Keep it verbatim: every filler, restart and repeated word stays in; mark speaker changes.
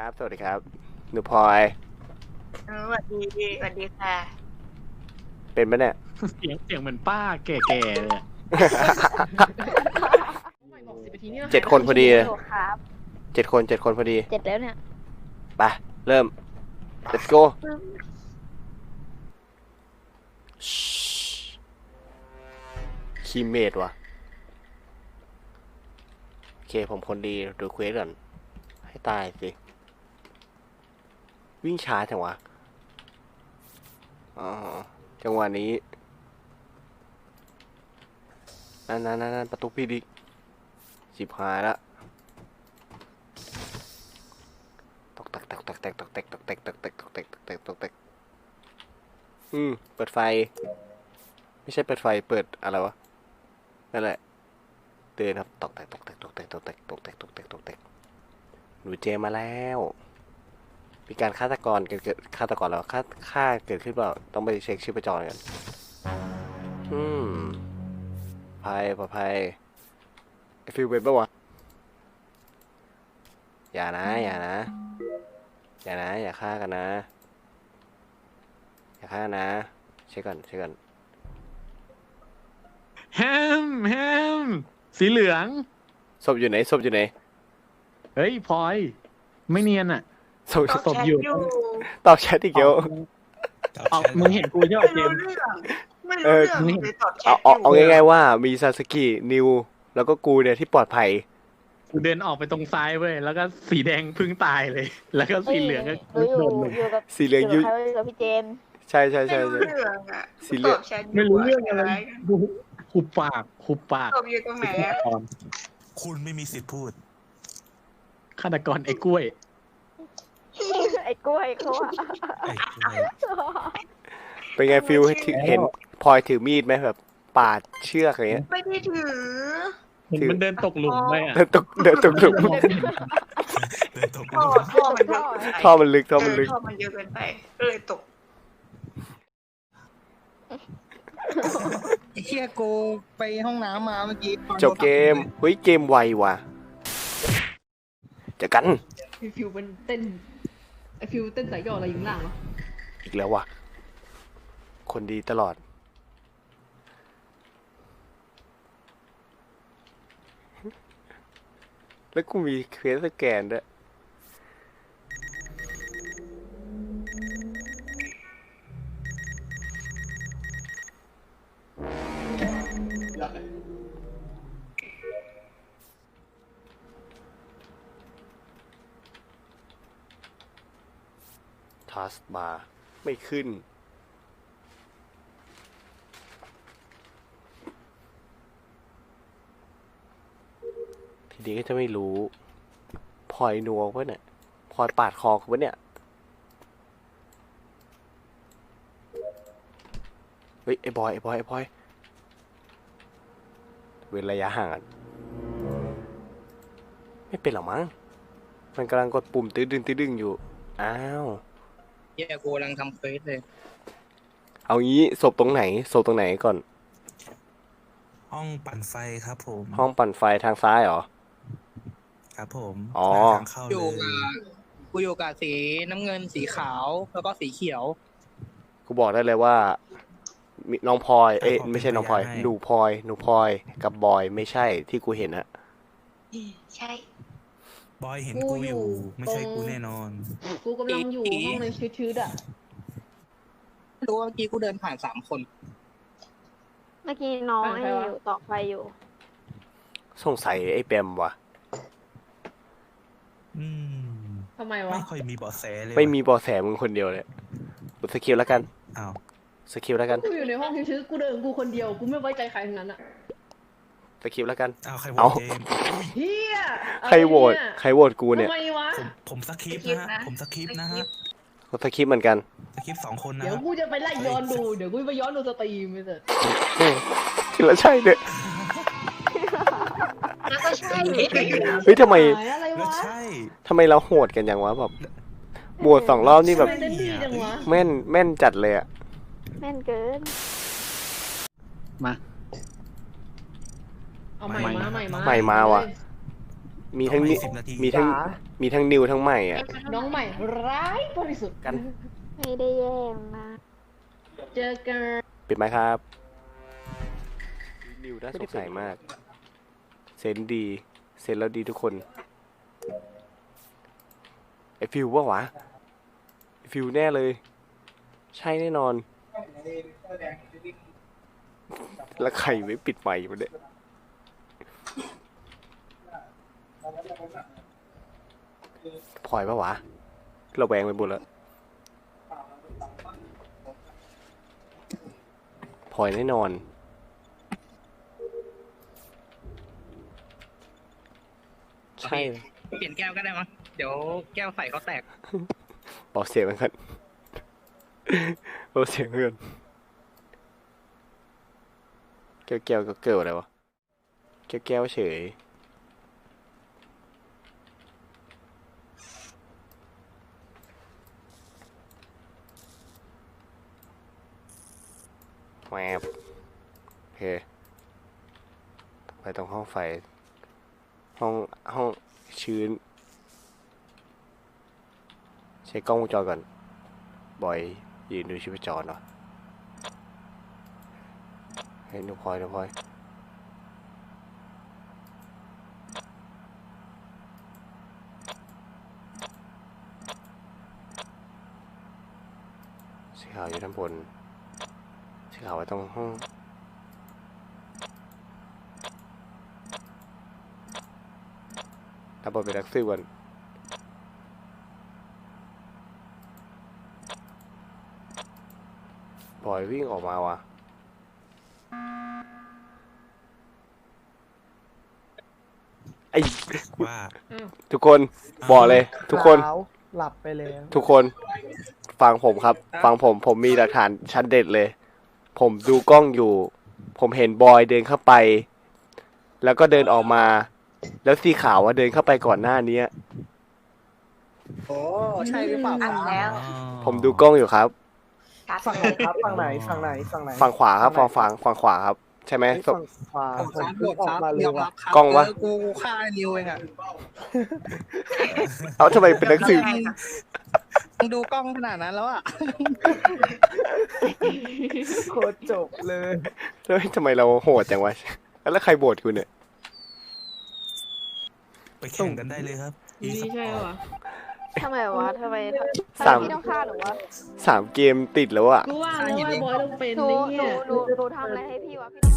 Speaker 1: ครับสวัสดีครับหนูพลอย
Speaker 2: เออสวัสดีสวัสดีค่ะ
Speaker 1: เป็นปะเนี่ย
Speaker 3: เสียงเสียงเหมือนป้าแก่ๆเลยอะ
Speaker 1: เจ็ดคนพอดีเลย
Speaker 4: ครับ
Speaker 1: เจ็ดคนเจ็ดคนพอดี
Speaker 4: เจ็ดแล้วเนี่ย
Speaker 1: ไปเริ่ม let's go คีเมดว่ะโอเคผมคนดีดูเควสก่อนให้ตายสิวิ่งช้าจังวะอ๋อจังหวะนี้นั่นนั่นนั่นประตูพี่ดิสิบหายละตกแตกตกแตกตกแตกตกแตกตกแตกตกแตกตกแตกตกแตกตกแตกอืมเปิดไฟไม่ใช่เปิดไฟเปิดอะไรวะนั่นแหละเตือนครับตกแตกตกแตกตกแตกตกแตกตกแตกตกแตกตกแตกหนูเจมาแล้วมีการฆาตกรเกิดเกิดฆาตกรแล้วฆาฆ่าเกิดขึ้นเปล่าต้องไปเช็คชีพจรกันอืมภัยปลอดภัยไอฟิลเป็นปะวะอย่านะอย่านะอย่านะอย่าฆ่ากันนะอย่าฆ่านะเช็คก่อนเช็คก่อน
Speaker 3: แฮมแฮมสีเหลือง
Speaker 1: ศพอยู่ไหนศพอยู่ไหน
Speaker 3: เฮ้ยพลอย ไม่เนียนอ่ะ
Speaker 1: ศพ
Speaker 2: ตอบ
Speaker 3: ตบ
Speaker 2: แชท
Speaker 3: อยู่
Speaker 2: อยู่
Speaker 1: ตอบแชทอีกเยอะ
Speaker 3: เอามึงเห็นกูใช่ไหม
Speaker 2: ไม่
Speaker 3: เจ
Speaker 2: รู้
Speaker 3: มส์
Speaker 2: เรื่องไม่
Speaker 1: เอ
Speaker 2: รู้
Speaker 1: อ
Speaker 2: เรื่องเลยตอบแช
Speaker 1: เอา
Speaker 2: ทอ
Speaker 1: เอา
Speaker 2: ยู่
Speaker 1: เอาง่ายๆว่ามีซาสกินิวแล้วก็กูเนี่ยที่ปลอดภัย
Speaker 3: กูเดินออกไปตรงซ้ายเว้ยแล้วก็สีแดงเพึ่งตายเลย แล้วก็สีเหลืองก็
Speaker 4: หนูอยู่
Speaker 3: โดนเลย
Speaker 4: อยู่กับ
Speaker 1: สีเหลือง
Speaker 4: อยู่
Speaker 1: ยุ
Speaker 4: กับใครวะอยู่กับพี่เจมส์
Speaker 1: ใช่ใช่
Speaker 2: ไม่
Speaker 1: ใช่
Speaker 2: รู้
Speaker 1: ใช่
Speaker 2: เรื่องอ่ะ
Speaker 1: สีเหลื
Speaker 2: ต
Speaker 1: อง
Speaker 2: อบแชทยู่
Speaker 3: ไม่รู้เรื่องอะไร
Speaker 2: ใช่หม
Speaker 3: หุบปากหุบปาก
Speaker 2: ตอบอยู่ตรงไหนอะ
Speaker 5: คุณไม่มีสิทธิ์พูด
Speaker 3: ฆาตกรไอ้กล้วย
Speaker 4: ไอ้กล้วยเขาอะ
Speaker 5: ไอ้กล้วย
Speaker 1: เป็นไงฟิลเห็นพลอยถือมีดไหมแบบปาดเชือกอะไรเงี้ย
Speaker 2: ไม่ได้ถือ
Speaker 3: มันมันเดินตกหลุมไปอ่ะ
Speaker 1: เดินตกเดินตกหลุม
Speaker 5: เดินตก
Speaker 2: ท่อท่อมันเยอะเกินไป
Speaker 1: ท่อมันลึกท่อมันลึก
Speaker 2: เท่อมันเยอะเกินไปก็เลยตก
Speaker 6: ไอ้เชี่ยกูไปห้องน้ำมาเมื่อกี้
Speaker 1: จบเกมเฮ้ยเกมไวว่ะเจอกัน
Speaker 7: ไอฟิวเป็นเต้นไอฟิวเต้นสายย่ออะไรอยู่ข้างล่างวะ
Speaker 1: อีกแล้วว่ะคนดีตลอดแล้วกูมีเควสสแกนด้วยทัสบาร์ไม่ขึ้นทีนี้ก็จะไม่รู้พลอยนัวปะเนี่ยพลอยปาดคอกูปะเนี่ยเฮ้ยไอ้บอยไอ้บอยไอ้บอยเว้นระยะห่างกันไม่เป็นหรอมั้งมันกำลังกดปุ่มตื้อดึงตื้อดึงอยู่อ้าว
Speaker 6: เชี่ยกูกำลังทำเควสเลย
Speaker 1: เอางี้ศพตรงไหนศพตรงไหนก่อน
Speaker 5: ห้องปั่นไฟครับผม
Speaker 1: ห้องปั่นไฟทางซ้ายเหรอ
Speaker 5: ครับผม
Speaker 1: อ๋อ
Speaker 5: ทางเข้า
Speaker 6: อ
Speaker 5: เล
Speaker 6: ยู่
Speaker 5: ย
Speaker 6: กับกูอยู่กับสีน้ำเงินสีขาวแล้วก็สีเขียว
Speaker 1: กูบอกได้เลยว่ามิน้องพลอยเอ้ยไม่ใช่น้องพลอยหนูพลอยหนูพลอยกับบอยไม่ใช่ที่กูเห็นอะ
Speaker 2: ใช่
Speaker 5: บอยเห็นกูอยู่ ไม่ใช่กูแน่นอน
Speaker 7: กูกำลังอยู่ห้องในชืดๆอ่ะ
Speaker 6: รู้ว่าเมื่อกี้กูเดินผ่านสามคน
Speaker 4: เมื่อกี้น้องไอ้อยู่ต่อไฟอยู่
Speaker 1: สงสัยไอ้แปมว่ะ
Speaker 5: อืม
Speaker 7: ทำไมวะ
Speaker 5: ไม่ค่อยมีเบาะแสเลย
Speaker 1: ไม่มีเบอแสมึงคนเดียวเลยกดสกิลแล้วกัน
Speaker 5: อ้าว
Speaker 7: Ờ.
Speaker 1: สกิลแล้วกัน
Speaker 7: กูอยู่ในห้องชืดๆกูเดินกูคนเดียวกูไม่ไว้ใจใครทั้งนั้นอ่ะ
Speaker 1: สกิลแล้วกัน
Speaker 5: อ้าวใครโหว
Speaker 1: เอา
Speaker 5: ตเจมส์อุ๊ย
Speaker 7: เฮีย
Speaker 1: ใครโหวตใครโหวตกูเนี่ย
Speaker 7: ทำไมวะ
Speaker 5: ผมผมสคริปต์นะฮะผมสคริปต์นะฮะ
Speaker 1: กดสกิปเหมือนกัน
Speaker 5: สคริปต์สองคนนะ
Speaker 7: เดี๋ยว
Speaker 5: ฮะ
Speaker 7: กูจะไปไล่ย้อนดูเดี๋ยวกูไปย้อนดูสตรีมไปเถอะ
Speaker 1: ทีละใช่เนี่ย
Speaker 2: แล้วก็ใช่
Speaker 1: เฮ้ยทำไม
Speaker 7: หายอะไร
Speaker 5: แล้ว
Speaker 7: วะ
Speaker 5: ใช่
Speaker 1: ทำไมเราโหดกันอย่างวะแบบโหวตสองรอบนี่แบบ
Speaker 7: ทำไมเต้นดีจังวะ
Speaker 1: แม่นแม่นจัดเลยอะ
Speaker 4: แม่นเกิน
Speaker 3: มา
Speaker 7: เอาใหม่มาใหม่มา
Speaker 1: ใหม่มาว่ะมีทั้งนิ
Speaker 5: สิบนาที
Speaker 1: มีทั้งมีทั้งนิวทั้งใหม่อ่ะ
Speaker 7: น้องใหม่ร้ายบริสุทธิ์
Speaker 1: กัน
Speaker 4: ไม่ได้แย่งนะ
Speaker 7: เจอกัน
Speaker 1: ปิดไหมครับนิวน่าสงสัยมาก เซนดี เซนแล้วดีทุกคนไอฟิวว่าวะไอฟิวแน่เลย ใช่แน่นอน แล้วใครไม่ปิดไมค์มันเนี่ยพลอยปะวะเราแวงไปหมดแล้วพลอยแน่นอน ใช่
Speaker 6: เปลี่ยนแก้วก็ได้มั้งเดี๋ยวแก้วใส่เขาแตก
Speaker 1: บอกเสียงมันกันบอกเสียงเพื่อนแก้วแก้วก็เกิดอะไรวะแก้วแก้วเฉยแวบโอเคไปตรงห้องไฟ ห้องห้องชื้น ใช้กล้องวงจรก่อน บอยยืนดูชีพจรเนาะเฮ้ยนุพลอยนุพลอยสีขาวอยู่ด้านบนสีขาวไว้ตรงห้องรับบทเป็นนักสืบก่อนบอยวิ่งออกมาว่ะไอ
Speaker 5: ว่า
Speaker 1: ทุกคนบอกเลย ทุกคน
Speaker 8: หลับไปแล้ว
Speaker 1: ทุกคนฟังผมครับ ฟังผมผมมีหลักฐานชั้นเด็ดเลย ผมดูกล้องอยู่ ผมเห็นบอยเดินเข้าไป แล้วก็เดินออกมา แล้วสีขาวว่าเดินเข้าไปก่อนหน้านี้
Speaker 6: โอ้ใช่หรือเปล่า
Speaker 2: อันแล้ว
Speaker 1: ผมดูกล้องอยู่ครับ
Speaker 2: การ
Speaker 8: ฝั่งไหนครับฝั่งไหนฝั่งไหนฝั่งไหน
Speaker 1: ฝั่งขวาครับฝั่งฝั่งฝั่งขวาครับ ใช่ไหม
Speaker 8: เฮ้ยฝั่งขวา
Speaker 6: ผม
Speaker 8: ผ
Speaker 6: ค
Speaker 8: ม
Speaker 6: รับ
Speaker 8: เพิ่งออกมาเลย
Speaker 6: ยอมรั
Speaker 8: ว่ะ
Speaker 6: บครับ
Speaker 1: กล้องวะ
Speaker 6: เกูฆ่านิวเองอ่ะ
Speaker 1: เอาทำไมเป็นนักสืบ
Speaker 6: มึงดูกล้องขนาดนั้นแล้วอ่ะ
Speaker 8: โคตรจบเลย
Speaker 1: แล้วทำไมเราโหดจังวะแล้วใครโบดกูเนี่ย
Speaker 5: ไปแข่งกันได้เลยครับ
Speaker 7: นี่ใช่ปะ
Speaker 4: ทำไมวะทำไมทำไม
Speaker 1: สาม
Speaker 4: พี่ต้องฆ่าหนูวะ
Speaker 1: สามเกมติดแล้วอะ
Speaker 7: กูว่าแล้วว่าบอยต้องเป็น
Speaker 4: หนู
Speaker 7: นี่
Speaker 4: หนู
Speaker 7: เนี่ย
Speaker 4: หนูหนูทำอะไรให้พี่วะพี่